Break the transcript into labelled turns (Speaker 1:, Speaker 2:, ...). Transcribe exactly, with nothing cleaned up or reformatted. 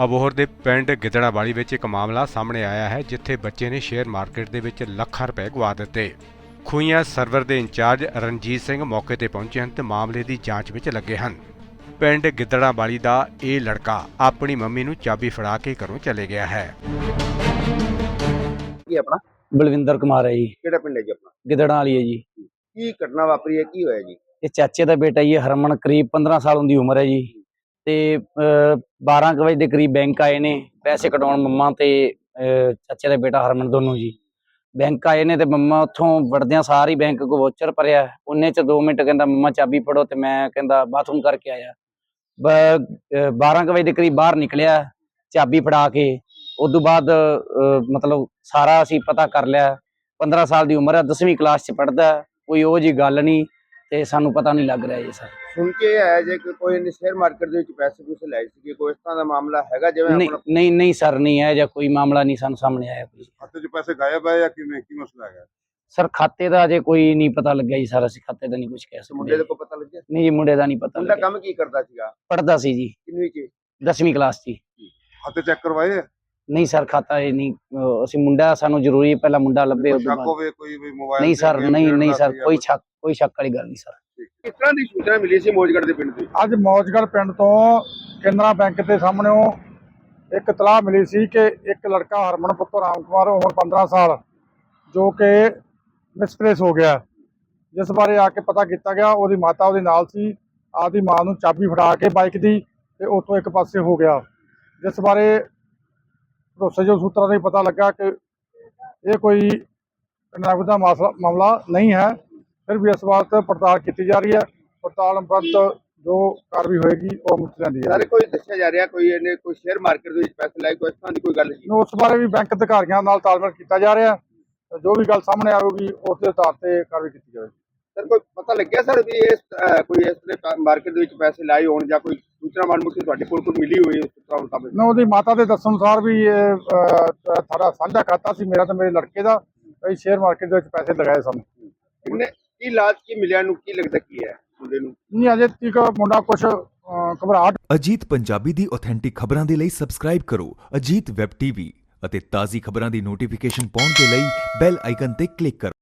Speaker 1: ਅਬੋਹਰ ਦੇ ਪਿੰਡ ਗਿੱਦੜਾਵਾਲੀ ਵਿੱਚ ਇੱਕ ਮਾਮਲਾ ਸਾਹਮਣੇ ਆਇਆ ਹੈ, ਜਿੱਥੇ ਬੱਚੇ ਨੇ ਸ਼ੇਅਰ ਮਾਰਕੀਟ ਦੇ ਵਿੱਚ ਲੱਖਾਂ ਰੁਪਏ ਗਵਾ ਦਿੱਤੇ। ਖੂਹੀਆਂ ਸਰਵਰ ਦੇ ਇੰਚਾਰਜ ਰਣਜੀਤ ਸਿੰਘ ਮੌਕੇ ਤੇ ਪਹੁੰਚੇ ਹਨ ਤੇ ਮਾਮਲੇ ਦੀ ਜਾਂਚ ਵਿੱਚ ਲੱਗੇ ਹਨ। ਪਿੰਡ ਗਿੱਦੜਾਵਾਲੀ ਦਾ ਇਹ ਲੜਕਾ ਆਪਣੀ ਮੰਮੀ ਨੂੰ ਚਾਬੀ ਫੜਾ ਕੇ ਘਰੋਂ ਚਲੇ ਗਿਆ ਹੈ।
Speaker 2: ਕੀ ਆਪਣਾ
Speaker 3: ਬਲਵਿੰਦਰ ਕੁਮਾਰ ਹੈ ਜੀ।
Speaker 2: ਕਿਹੜਾ ਪਿੰਡ ਹੈ ਜੀ ਆਪਣਾ?
Speaker 3: ਗਿੱਦੜਾਂ ਵਾਲੀ ਹੈ ਜੀ।
Speaker 2: ਕੀ ਘਟਨਾ ਵਾਪਰੀ ਹੈ, ਕੀ ਹੋਇਆ ਜੀ?
Speaker 3: ਇਹ ਚਾਚੇ ਦਾ ਬੇਟਾ ਜੀ ਹਰਮਨ, ਕਰੀਬ ਪੰਦਰਾਂ ਸਾਲ ਦੀ ਉਮਰ ਹੈ ਜੀ। ਤੇ ਬਾਰਾਂ ਕੁ ਵਜੇ ਦੇ ਕਰੀਬ ਬੈਂਕ ਆਏ ਨੇ ਪੈਸੇ ਕਢਾਉਣ, ਮੰਮਾ ਤੇ ਚਾਚੇ ਦਾ ਬੇਟਾ ਹਰਮਨ ਦੋਨੋਂ ਜੀ ਬੈਂਕ ਆਏ ਨੇ। ਤੇ ਮੰਮਾ ਉੱਥੋਂ ਵੜਦਿਆਂ ਸਾਰੀ ਬੈਂਕ ਕੋ ਵੋਚਰ ਭਰਿਆ। ਉਹਨੇ ਚ ਦੋ ਮਿੰਟ ਕਹਿੰਦਾ ਮੰਮਾ ਚਾਬੀ ਫੜੋ, ਤੇ ਮੈਂ ਕਹਿੰਦਾ ਬਾਥਰੂਮ ਕਰਕੇ ਆਇਆ। ਬਾਰਾਂ ਕੁ ਵਜੇ ਦੇ ਕਰੀਬ ਬਾਹਰ ਨਿਕਲਿਆ ਚਾਬੀ ਫੜਾ ਕੇ। ਉਦੋਂ ਬਾਅਦ ਮਤਲਬ ਸਾਰਾ ਅਸੀਂ ਪਤਾ ਕਰ ਲਿਆ। ਪੰਦਰਾਂ ਸਾਲ ਦੀ ਉਮਰ ਹੈ, ਦਸਵੀਂ ਕਲਾਸ ਚ ਪੜ੍ਹਦਾ। ਕੋਈ ਉਹ ਜੀ ਗੱਲ ਨਹੀਂ ਤੇ ਸਾਨੂੰ ਪਤਾ ਨਹੀਂ ਲੱਗ ਰਿਹਾ ਜੀ ਸਰ।
Speaker 2: ਸੁਣ ਕੇ ਆਇਆ ਜੇ ਕਿ ਕੋਈ ਨੇ ਸ਼ੇਅਰ ਮਾਰਕੀਟ ਦੇ ਵਿੱਚ ਪੈਸੇ ਪੂਸੇ ਲਾਏ ਸੀ, ਕੋਈ ਇਸ ਤਰ੍ਹਾਂ ਦਾ ਮਾਮਲਾ ਹੈਗਾ? ਜਿਵੇਂ
Speaker 3: ਨਹੀਂ ਨਹੀਂ ਨਹੀਂ ਸਰ, ਨਹੀਂ ਹੈ ਜਾਂ ਕੋਈ ਮਾਮਲਾ ਨਹੀਂ ਸਾਨੂੰ ਸਾਹਮਣੇ ਆਇਆ। ਕੋਈ
Speaker 4: ਖਾਤੇ 'ਚ ਪੈਸੇ ਗਾਇਬ ਹੈ ਜਾਂ ਕਿਵੇਂ, ਕੀ ਮਸਲਾ ਹੈਗਾ
Speaker 3: ਸਰ? ਖਾਤੇ ਦਾ ਅਜੇ ਕੋਈ ਨਹੀਂ ਪਤਾ ਲੱਗਿਆ ਜੀ ਸਰ। ਅਸੀਂ ਖਾਤੇ ਦਾ ਨਹੀਂ ਕੁਝ ਕਹਿ ਸਕਦੇ।
Speaker 2: ਮੁੰਡੇ ਦੇ ਕੋਈ ਪਤਾ ਲੱਗਿਆ?
Speaker 3: ਨਹੀਂ ਜੀ, ਮੁੰਡੇ ਦਾ ਨਹੀਂ ਪਤਾ
Speaker 2: ਮੁੰਡਾ
Speaker 3: ਲੱਗਿਆ।
Speaker 2: ਕੰਮ ਕੀ ਕਰਦਾ ਸੀਗਾ?
Speaker 3: ਪੜ੍ਹਦਾ ਸੀ ਜੀ,
Speaker 2: ਕਿੰਨਵੀਂ ਚ?
Speaker 3: ਦਸਵੀਂ ਕਲਾਸ ਚ।
Speaker 4: ਖਾਤੇ ਚੈੱਕ ਕਰਵਾਏ?
Speaker 3: ਨਹੀਂ ਸਰ, ਖਾਤਾ ਇਹ ਨਹੀਂ। ਅਸੀਂ ਮੁੰਡਾ, ਸਾਨੂੰ ਜ਼ਰੂਰੀ ਪਹਿਲਾਂ ਮੁੰਡਾ ਲੱਭੇ।
Speaker 4: ਕੋਈ ਸ਼ੱਕ ਹੋਵੇ ਕੋਈ ਵੀ ਮੋਬਾਈਲ?
Speaker 3: ਨਹੀਂ ਸਰ, ਨਹੀਂ ਨਹੀਂ ਸਰ, ਕੋਈ ਸ਼ੱਕ ਕੋਈ ਸ਼ੱਕ ਵਾਲੀ ਗੱਲ ਨਹੀਂ ਸਰ।
Speaker 2: ਕਿਸ ਤਰ੍ਹਾਂ ਦੀ ਸੂਚਨਾ ਮਿਲੀ ਸੀ ਮੌਜਗੜ੍ਹ ਦੇ ਪਿੰਡ ਦੀ?
Speaker 5: ਅੱਜ ਮੌਜਗੜ੍ਹ ਪਿੰਡ ਤੋਂ ਕੇਨਰਾ ਬੈਂਕ ਦੇ ਸਾਹਮਣੇੋਂ ਇੱਕ ਇਤਲਾਹ ਮਿਲੀ ਸੀ ਕਿ ਇੱਕ ਲੜਕਾ ਹਰਮਨ ਪੁੱਤਰ ਰਾਮ ਕੁਮਾਰ, ਉਮਰ ਪੰਦਰਾਂ ਸਾਲ, ਜੋ ਕਿ ਮਿਸਪਲੇਸ ਹੋ ਗਿਆ, ਜਿਸ ਬਾਰੇ ਆ ਕੇ ਪਤਾ ਕੀਤਾ ਗਿਆ। ਉਹਦੀ ਮਾਤਾ ਉਹਦੇ ਨਾਲ ਸੀ। ਆਪਦੀ ਮਾਂ ਨੂੰ ਚਾਬੀ ਫੜਾ ਕੇ ਬਾਈਕ ਦੀ ਤੇ ਉੱਥੋਂ ਇੱਕ ਪਾਸੇ ਹੋ ਗਿਆ, ਜਿਸ ਬਾਰੇ ਭਰੋਸੇਯੋਗ ਸੂਤਰਾਂ ਤੋਂ ਪਤਾ ਲੱਗਾ ਕਿ ਇਹ ਕੋਈ ਨਗਦ ਦਾ ਮਾਮਲਾ ਨਹੀਂ ਹੈ। ਫਿਰ ਵੀ ਇਸ ਬਾਤ ਪੜਤਾਲ ਕੀਤੀ ਜਾ ਰਹੀ ਹੈ। ਪੜਤਾਲ ਉਪਰੰਤ ਜੋ ਕਾਰਵਾਈ ਹੋਏਗੀ ਉਹ ਮੁੱਕ ਜਾਂਦੀ ਹੈ।
Speaker 2: ਸਾਰੇ ਕੋਈ ਦੱਸਿਆ ਜਾ ਰਿਹਾ ਕੋਈ ਇਹਨੇ ਕੋਈ ਸ਼ੇਅਰ ਮਾਰਕੀਟ ਦੇ ਵਿੱਚ ਪੈਸੇ ਲਾਏ, ਕੋਈ ਇਸ ਤਰ੍ਹਾਂ ਦੀ ਕੋਈ ਗੱਲ ਜੀ?
Speaker 5: ਉਸ ਬਾਰੇ ਵੀ ਬੈਂਕ ਅਧਿਕਾਰੀਆਂ ਨਾਲ ਤਾਲਮੇਲ ਕੀਤਾ ਜਾ ਰਿਹਾ। ਜੋ ਵੀ ਗੱਲ ਸਾਹਮਣੇ ਆਵੇਗੀ ਉਸ ਦੇ ਆਧਾਰ ਤੇ ਕਾਰਵਾਈ ਕੀਤੀ ਜਾਵੇਗੀ।
Speaker 2: ਸਰ ਕੋਈ ਪਤਾ ਲੱਗਿਆ ਸਰ ਵੀ ਇਸ ਕੋਈ ਇਸ ਤਰ੍ਹਾਂ ਮਾਰਕੀਟ ਦੇ ਵਿੱਚ ਪੈਸੇ ਲਾਏ ਹੋਣ ਜਾਂ ਕੋਈ ਸੂਚਨਾ ਮਾਲੂਮਾਤ ਤੁਹਾਡੇ ਕੋਲ ਕੋਈ ਮਿਲੀ ਹੋਈ ਮੁਤਾਬਕ?
Speaker 5: ਨਾ, ਉਹਦੀ ਮਾਤਾ ਦੇ ਦੱਸਣ ਅਨੁਸਾਰ ਵੀ ਇਹ ਸਾਡਾ ਸਾਂਝਾ ਖਾਤਾ ਸੀ, ਮੇਰਾ ਤੇ ਮੇਰੇ ਲੜਕੇ ਦਾ। ਅਸੀਂ ਸ਼ੇਅਰ ਮਾਰਕੀਟ ਦੇ ਵਿੱਚ ਪੈਸੇ ਲਗਾਏ ਸਨ।
Speaker 2: ਉਹਨੇ ਕੀ ਲਾਜ ਕੀ ਮਿਲਿਆ ਨੂੰ, ਕੀ ਲੱਗਦਾ ਕੀ ਹੈ ਮੁੰਡੇ ਨੂੰ?
Speaker 5: ਨਹੀਂ, ਅਜੇ ਤੱਕ ਮੁੰਡਾ ਕੁਛ ਘਬਰਾਹਟ।
Speaker 6: ਅਜੀਤ ਪੰਜਾਬੀ ਦੀ ਆਥੈਂਟਿਕ ਖਬਰਾਂ ਦੇ ਲਈ ਸਬਸਕ੍ਰਾਈਬ ਕਰੋ ਅਜੀਤ ਵੈਬ ਟੀਵੀ ਅਤੇ ਤਾਜ਼ੀ ਖਬਰਾਂ ਦੀ ਨੋਟੀਫਿਕੇਸ਼ਨ ਪਾਉਣ ਦੇ ਲਈ ਬੈਲ ਆਈਕਨ ਤੇ ਕਲਿੱਕ ਕਰੋ।